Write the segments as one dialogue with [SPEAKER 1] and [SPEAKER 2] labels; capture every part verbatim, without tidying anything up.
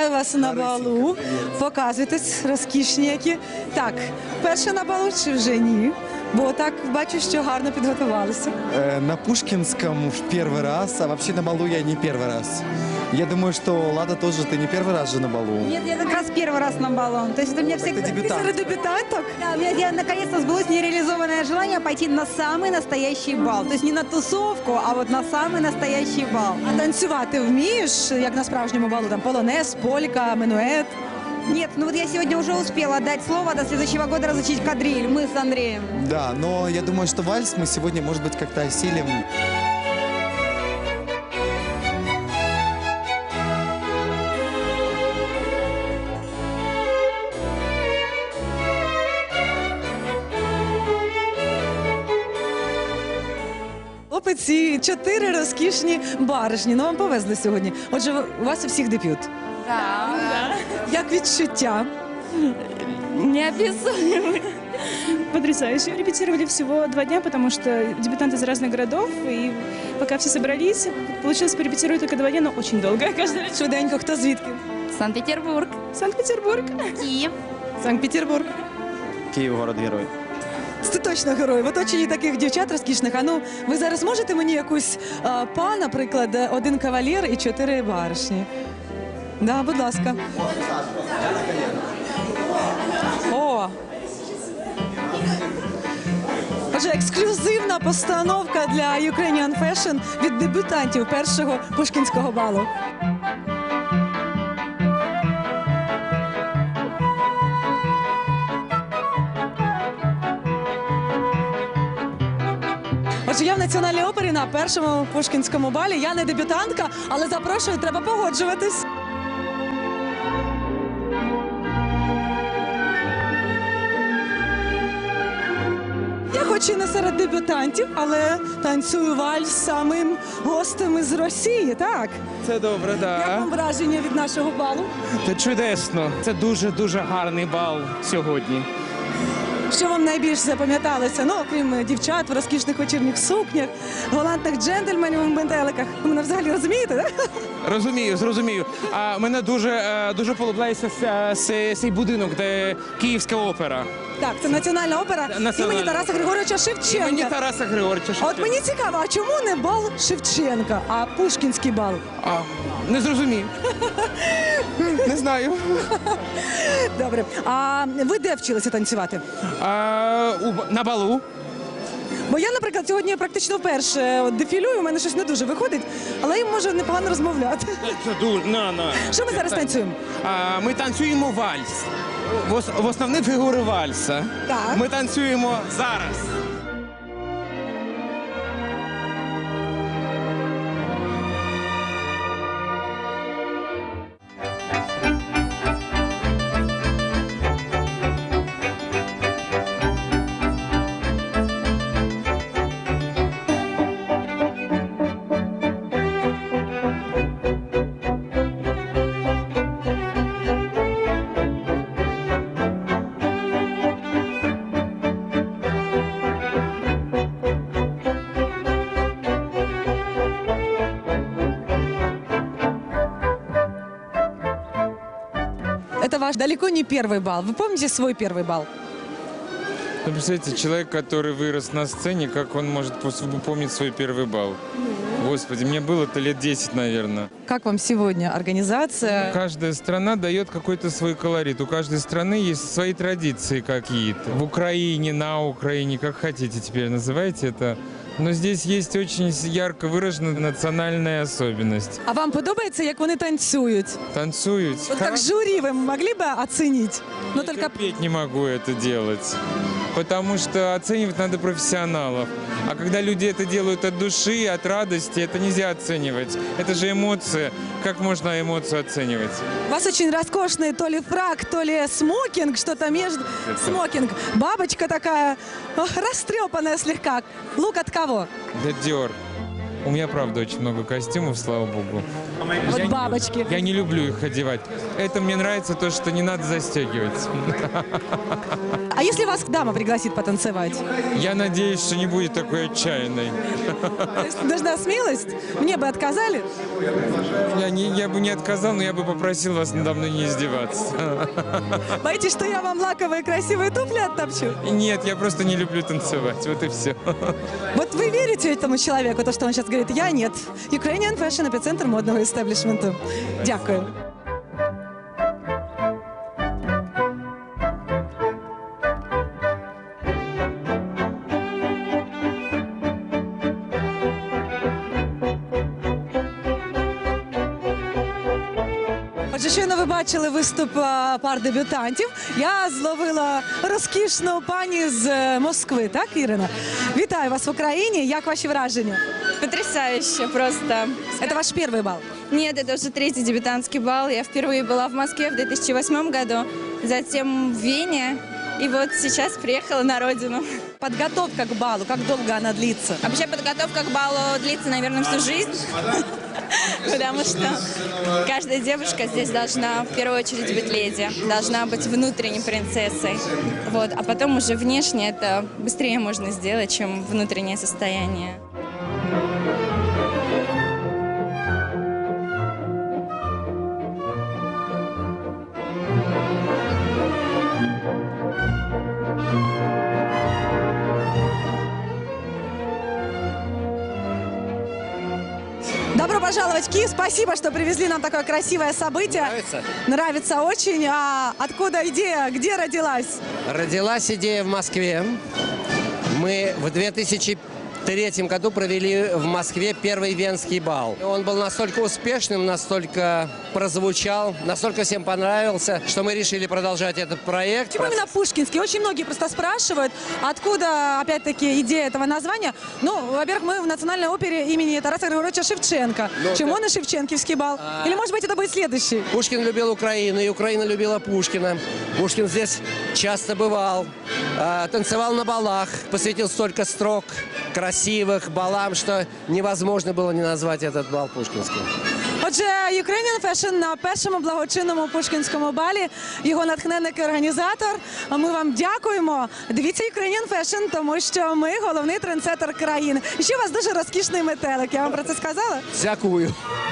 [SPEAKER 1] Вітаю вас на балу. Показуйтесь, розкішні які. Так, перше на балу чи вже ні? Бо так бачу, що гарно підготувалися.
[SPEAKER 2] Э, На Пушкинском в первый раз, а вообще на балу я не первый раз. Я думаю, что Лада тоже, ты не первый раз же на балу.
[SPEAKER 3] Нет, я как раз первый раз на балу. То есть это у меня всегда...
[SPEAKER 2] ты дебютант.
[SPEAKER 1] Серед дебютанток?
[SPEAKER 3] Да, у меня я, наконец-то сбылось нереализованное желание пойти на самый настоящий бал. То есть не на тусовку, а вот на самый настоящий бал.
[SPEAKER 1] А танцювати вмієш, як на справжньому балу? Там полонез, полька, минует?
[SPEAKER 3] Нет, ну вот я сегодня уже успела дать слово до следующего года разучить кадриль. Мы с Андреем.
[SPEAKER 2] Да, но я думаю, что вальс мы сегодня, может быть, как-то осилим.
[SPEAKER 1] Хлопець і чотири розкішні баришні. Ну, вам повезли сьогодні. Отже, у вас у всіх дебют.
[SPEAKER 4] Да.
[SPEAKER 1] Як відчуття?
[SPEAKER 4] Неописуемый.
[SPEAKER 5] Потрясающе. Репетировали всего два дня, потому что дебютанты из разных городов, и пока все собрались, получилось порепетировать только два дня, но очень долго. Каждый раз.
[SPEAKER 1] Швиденько, хто звідки?
[SPEAKER 4] Санкт-Петербург.
[SPEAKER 5] Санкт-Петербург.
[SPEAKER 4] Киев.
[SPEAKER 1] Санкт-Петербург.
[SPEAKER 6] Київ, город-герой.
[SPEAKER 1] Це точно герой. В оточенні таких дівчат розкішних. А ну, ви зараз можете мені якусь а, па, наприклад, один кавалер і чотири баришні? Да, будь ласка. О! Отже, ексклюзивна постановка для Ukrainian Fashion від дебютантів першого пушкінського балу. Отже, я в Національній опері на першому пушкінському балі. Я не дебютантка, але запрошую, треба погоджуватись. Я хоч і не серед дебютантів, але танцюю вальс з самим гостем із Росії, так?
[SPEAKER 7] Це добре,
[SPEAKER 1] Як
[SPEAKER 7] так.
[SPEAKER 1] вам враження від нашого балу?
[SPEAKER 7] Це чудесно. Це дуже-дуже гарний бал сьогодні.
[SPEAKER 1] Що вам найбільше запам'яталося? Ну, окрім дівчат в розкішних вечірніх сукнях, галантних джентльменів у метеликах. Ви мене взагалі розумієте, так?
[SPEAKER 7] Розумію, зрозумію. А мене дуже, е, дуже полюбляється ся- ся- цей будинок, де Київська опера.
[SPEAKER 1] Так, це Національна опера
[SPEAKER 7] Національна
[SPEAKER 1] імені Тараса
[SPEAKER 7] опера.
[SPEAKER 1] Григоровича
[SPEAKER 7] Імені
[SPEAKER 1] Шевченка.
[SPEAKER 7] Тараса Григоровича
[SPEAKER 1] А от
[SPEAKER 7] Шевченка.
[SPEAKER 1] мені цікаво, а чому не бал Шевченка, а Пушкінський бал?
[SPEAKER 7] А, не зрозумів. Не знаю.
[SPEAKER 1] Добре. А ви де вчилися танцювати?
[SPEAKER 7] А, у, на балу.
[SPEAKER 1] Бо я, наприклад, сьогодні практично вперше от дефілюю, у мене щось не дуже виходить, але я можу непогано розмовляти.
[SPEAKER 7] Це дуже, на, на.
[SPEAKER 1] Що ми зараз танцюємо?
[SPEAKER 7] А, ми танцюємо вальс. В, ос- в основні фігури вальса.
[SPEAKER 1] Так.
[SPEAKER 7] Ми танцюємо зараз.
[SPEAKER 1] Это ваш далеко не первый бал. Вы помните свой первый бал?
[SPEAKER 8] Ну, представляете, человек, который вырос на сцене, как он может пос- помнить свой первый бал? Господи, мне было-то лет десять, наверное.
[SPEAKER 1] Как вам сегодня организация?
[SPEAKER 8] Каждая страна дает какой-то свой колорит. У каждой страны есть свои традиции какие-то. В Украине, на Украине, как хотите теперь называйте это. Но здесь есть очень ярко выраженная национальная особенность.
[SPEAKER 1] А вам подобається, як вони танцюють?
[SPEAKER 8] Танцуют.
[SPEAKER 1] Вот как жюри вы могли бы оценить? Но
[SPEAKER 8] Я
[SPEAKER 1] только
[SPEAKER 8] терпеть не могу это делать. Потому что оценивать надо профессионалов. А когда люди это делают от души, от радости, это нельзя оценивать. Это же эмоции. Как можно эмоцию оценивать?
[SPEAKER 1] у вас очень роскошный то ли фрак, то ли смокинг, что-то между... Смокинг. Бабочка такая, ох, растрепанная слегка. Лук от кого?
[SPEAKER 8] Да Dior. У меня, правда, очень много костюмов, слава богу.
[SPEAKER 1] Вот
[SPEAKER 8] Я не-
[SPEAKER 1] бабочки.
[SPEAKER 8] Я не люблю их одевать. Это мне нравится то, что не надо застегивать.
[SPEAKER 1] А если вас дама пригласит потанцевать?
[SPEAKER 8] Я надеюсь, что не будет такой отчаянной.
[SPEAKER 1] То есть нужна смелость? Мне бы отказали?
[SPEAKER 8] Я, не, я бы не отказал, но я бы попросил вас надо мной не издеваться.
[SPEAKER 1] Боитесь, что я вам лаковые красивые туфли оттопчу?
[SPEAKER 8] Нет, я просто не люблю танцевать. Вот и все.
[SPEAKER 1] Вот вы верите этому человеку, то, что он сейчас говорит? Я нет. Ukrainian Fashion, эпицентр модного істеблішменту. Дякую. Отже, щойно ви бачили виступ а, пар дебютантів. Я зловила розкішну пані з е, Москви, так, Ірина? Вітаю вас в Україні. Як ваші враження?
[SPEAKER 4] Потрясающе просто.
[SPEAKER 1] Це ваш перший бал.
[SPEAKER 4] Нет, это уже третий дебютантский бал. Я впервые была в Москве в две тысячи восьмом году, затем в Вене, и вот сейчас приехала на родину.
[SPEAKER 1] Подготовка к балу, как долго она длится?
[SPEAKER 4] Вообще подготовка к балу длится, наверное, всю жизнь, потому что каждая девушка здесь должна в первую очередь быть леди, должна быть внутренней принцессой, вот, а потом уже внешне это быстрее можно сделать, чем внутреннее состояние.
[SPEAKER 1] Добро пожаловать в Киев. Спасибо, что привезли нам такое красивое событие.
[SPEAKER 9] Нравится?
[SPEAKER 1] Нравится очень. А откуда идея? Где родилась?
[SPEAKER 9] Родилась идея в Москве. Мы в две тысячи третьем году провели в Москве первый венский бал. Он был настолько успешным, настолько прозвучал, настолько всем понравился, что мы решили продолжать этот проект.
[SPEAKER 1] Почему именно Пушкинский? Очень многие просто спрашивают, откуда, опять-таки, идея этого названия. Ну, во-первых, мы в Национальной опере имени Тараса Григорьевича Шевченко.
[SPEAKER 9] Ну,
[SPEAKER 1] Чем
[SPEAKER 9] да.
[SPEAKER 1] он и Шевченкивский бал? Или, может быть, это будет следующий?
[SPEAKER 9] Пушкин любил Украину, и Украина любила Пушкина. Пушкин здесь часто бывал, э, танцевал на балах, посвятил столько строк красивых балам, что невозможно было не назвать этот бал пушкинским.
[SPEAKER 1] Отже, Ukrainian Fashion на першому благочинному Пушкінському балі. Його натхненник і організатор. Ми вам дякуємо. Дивіться Ukrainian Fashion, тому що ми головний трендсеттер країни. І ще у вас дуже розкішний метелик. Я вам про це сказала?
[SPEAKER 9] Всякую.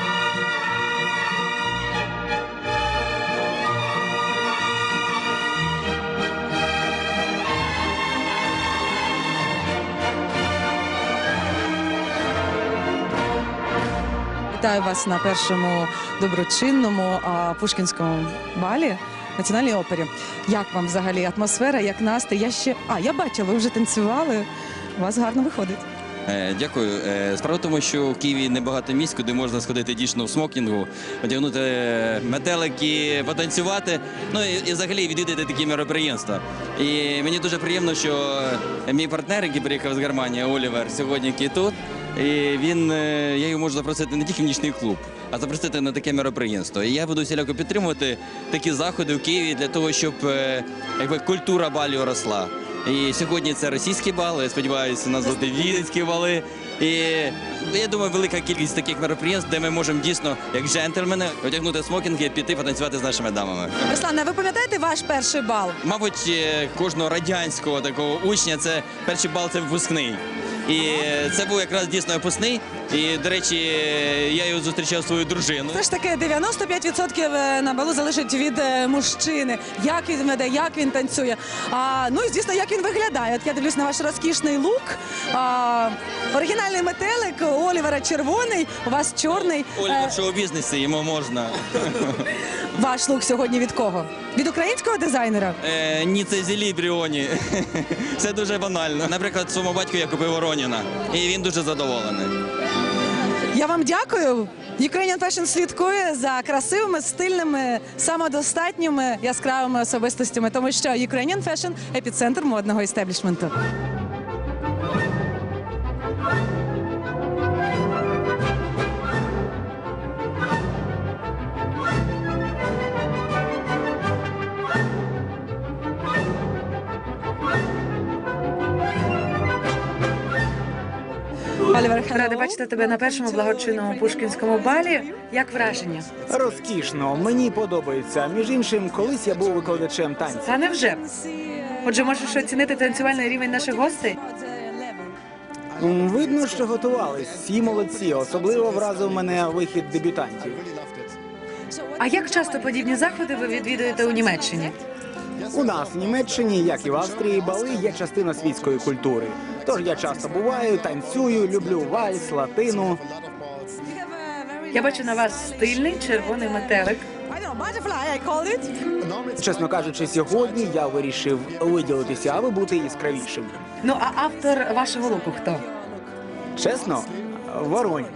[SPEAKER 1] Вітаю вас на першому доброчинному а, Пушкінському балі Національній опері. Як вам взагалі атмосфера, як настрій? Я ще... А, я бачила, ви вже танцювали. У вас гарно виходить.
[SPEAKER 10] Е, Дякую. Е, Справа в тому, що в Києві небагато місць, куди можна сходити дійсно в смокінгу, одягнути е, метелики, потанцювати, ну і, і взагалі відвідати такі мероприємства. І мені дуже приємно, що мій партнер, який приїхав з Германії, Олівер, сьогодні який тут. І він, е, я його можу запросити не тільки в нічний клуб, а запросити на таке мероприємство. І я буду всіляко підтримувати такі заходи в Києві для того, щоб е, якби, культура балів росла. І сьогодні це російські бали, я сподіваюся, у нас будуть віденські бали. І я думаю, велика кількість таких мероприємств, де ми можемо дійсно, як джентльмени, одягнути смокінги і піти потанцювати з нашими дамами.
[SPEAKER 1] Руслане, ви пам'ятаєте ваш перший бал?
[SPEAKER 10] Мабуть, е, кожного радянського такого учня це перший бал це випускний. І це був якраз дійсно випускний. І, до речі, я його зустрічав свою дружину.
[SPEAKER 1] Все ж таки дев'яносто п'ять відсотків на балу залежить від е, мужчини. Як він веде, як він танцює. А, ну і, звісно, як він виглядає. От я дивлюсь на ваш розкішний лук. А, оригінальний метелик, у Олівера червоний, у вас чорний.
[SPEAKER 10] Олівер
[SPEAKER 1] Е,
[SPEAKER 10] в шоу-бізнесі, йому можна.
[SPEAKER 1] ваш лук сьогодні від кого? Від українського дизайнера?
[SPEAKER 10] Е, ні, це зілі Бріоні. Це дуже банально. Наприклад, своєму батьку я купив Вороніна, і він дуже задоволений.
[SPEAKER 1] Я вам дякую. Ukrainian Fashion слідкує за красивими, стильними, самодостатніми, яскравими особистостями, тому що Ukrainian Fashion – епіцентр модного істеблішменту. Олівер, рада бачити тебе на першому благочинному пушкінському балі. Як враження?
[SPEAKER 11] Розкішно, мені подобається. Між іншим, колись я був викладачем танців.
[SPEAKER 1] А невже? Отже, можеш оцінити танцювальний рівень наших гостей?
[SPEAKER 11] М, Видно, що готувались. Всі молодці. Особливо вразив мене вихід дебютантів.
[SPEAKER 1] А як часто подібні заходи ви відвідуєте у Німеччині?
[SPEAKER 11] У нас в Німеччині, як і в Австрії, бали є частина світської культури. Тож я часто буваю, танцюю, люблю вальс, латину.
[SPEAKER 1] Я бачу на вас стильний червоний метелик.
[SPEAKER 11] Чесно кажучи, сьогодні я вирішив виділитися, аби бути яскравішим.
[SPEAKER 1] Ну а автор вашого луку хто?
[SPEAKER 11] Чесно, Воронь.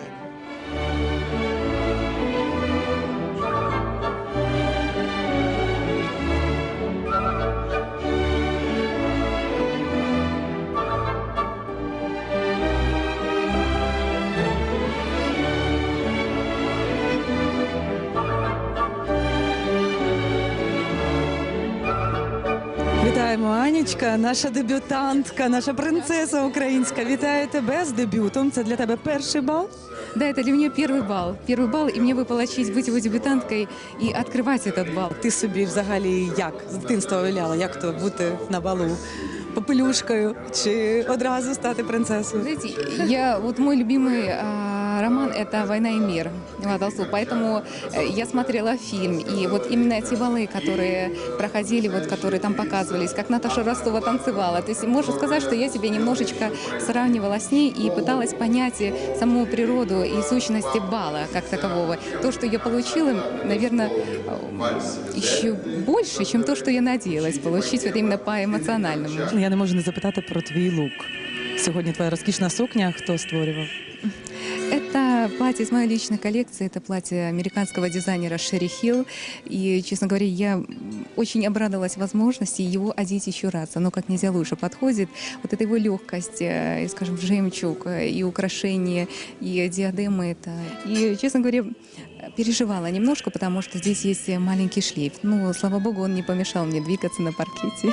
[SPEAKER 1] Вітаємо, Анічка, наша дебютантка, наша принцеса українська. Вітаю тебе з дебютом. Це для тебе перший бал.
[SPEAKER 12] Да, это для меня первый бал. Первый бал, и мне выпала честь быть его дебютанткой и открывать этот бал.
[SPEAKER 1] Ти собі взагалі як з дитинства уявляла, як то бути на балу? Попелюшкою чи одразу стати принцесою?
[SPEAKER 12] Знаете, я, вот мой любимый а, роман – это «Война и мир» Льва Толстого, поэтому э, я смотрела фильм, и вот именно эти балы, которые проходили, вот, которые там показывались, как Наташа Ростова танцевала, то есть можно сказать, что я себя немножечко сравнивала с ней и пыталась понять и саму природу и сущности бала как такового. То, что я получила, наверное, еще больше, чем то, что я надеялась получить вот именно по эмоциональному.
[SPEAKER 1] Я не можу не запитати про твій лук. Сьогодні твоя розкішна сукня. Хто створював?
[SPEAKER 12] Это платье из моей личной коллекции, это платье американского дизайнера Шерри Хилл. И, честно говоря, я очень обрадовалась возможности его одеть еще раз. Оно как нельзя лучше подходит. Вот эта его легкость, и, скажем, жемчуг, и украшения, и диадемы. Это... И, честно говоря, переживала немножко, потому что здесь есть маленький шлейф. Ну, слава богу, он не помешал мне двигаться на паркете.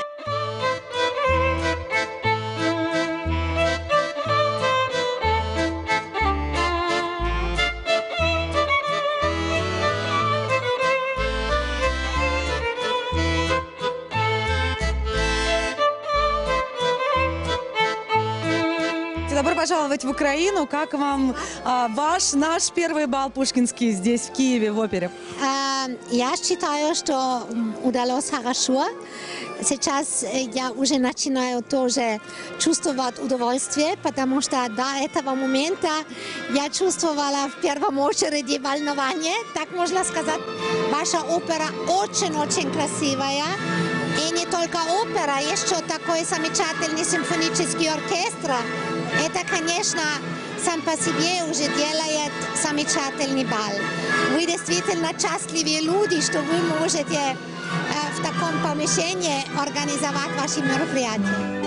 [SPEAKER 1] Добро пожаловать в Украину. Как вам а, ваш, наш первый бал пушкинский здесь, в Киеве, в опере?
[SPEAKER 13] А, Я считаю, что удалось хорошо. Сейчас я уже начинаю тоже чувствовать удовольствие, потому что до этого момента я чувствовала в первом очереди волнование. Так можно сказать, ваша опера очень-очень красивая. И не только опера, еще такой замечательный симфонический оркестр. Это, конечно, сам по себе уже делает замечательный бал. Вы действительно счастливые люди, что вы можете э, в таком помещении организовать ваши мероприятия.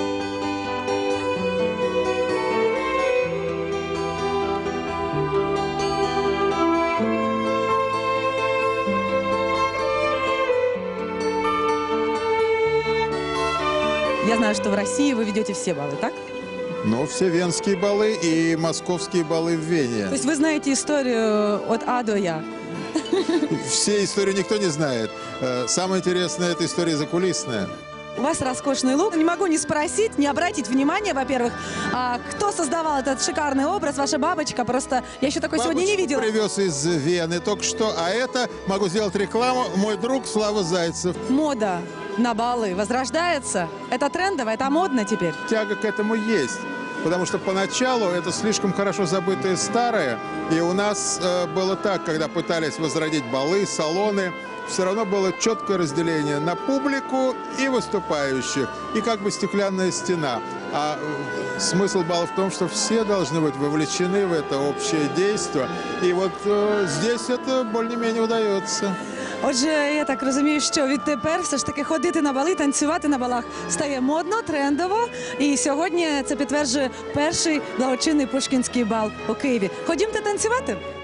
[SPEAKER 1] Я знаю, что в России вы ведете все балы, так?
[SPEAKER 14] Ну, все венские балы и московские балы в Вене.
[SPEAKER 1] То есть вы знаете историю от А до Я?
[SPEAKER 14] Все истории никто не знает. Э, Самое интересное – это история закулисная.
[SPEAKER 1] У вас роскошный лук. Не могу не спросить, не обратить внимание, во-первых, а кто создавал этот шикарный образ, ваша бабочка. Просто я еще такой сегодня не видела.
[SPEAKER 14] Привез из Вены только что, а это, могу сделать рекламу, мой друг Слава Зайцев.
[SPEAKER 1] Мода на балы возрождается. Это трендово, это модно теперь.
[SPEAKER 14] Тяга к этому есть. Потому что поначалу это слишком хорошо забытое старое. И у нас э, было так, когда пытались возродить балы, салоны, все равно было четкое разделение на публику и выступающих. И как бы стеклянная стена. А э, смысл бала в том, что все должны быть вовлечены в это общее действие. И вот э, здесь это более-менее удается.
[SPEAKER 1] Отже, я так розумію, що відтепер все ж таки ходити на бали, танцювати на балах стає модно, трендово. І сьогодні це підтверджує перший благочинний пушкінський бал у Києві. Ходімте танцювати?